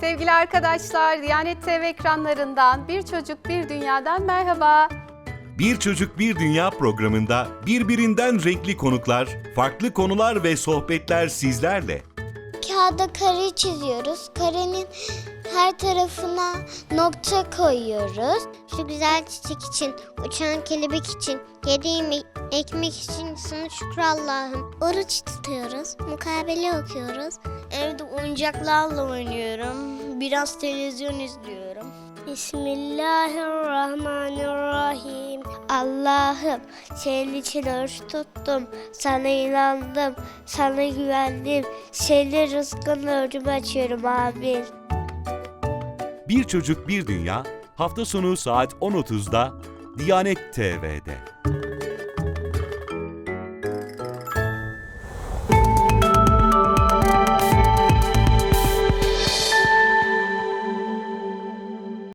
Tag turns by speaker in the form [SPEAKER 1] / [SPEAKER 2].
[SPEAKER 1] Sevgili arkadaşlar, Diyanet TV ekranlarından Bir Çocuk Bir Dünya'dan merhaba.
[SPEAKER 2] Bir Çocuk Bir Dünya programında birbirinden renkli konuklar, farklı konular ve sohbetler sizlerle.
[SPEAKER 3] Kağıda kare çiziyoruz. Karenin her tarafına nokta koyuyoruz. Şu güzel çiçek için, uçan kelebek için, yediğim ekmek için sana şükür Allah'ım. Oruç tutuyoruz, mukabele okuyoruz. Evde oyuncaklarla oynuyorum. Biraz televizyon izliyorum. Bismillahirrahmanirrahim. Allah'ım senin için oruç tuttum. Sana inandım. Sana güvendim. Senin rızkın önümü açıyorum amin.
[SPEAKER 2] Bir Çocuk Bir Dünya hafta sonu saat 10.30'da Diyanet TV'de.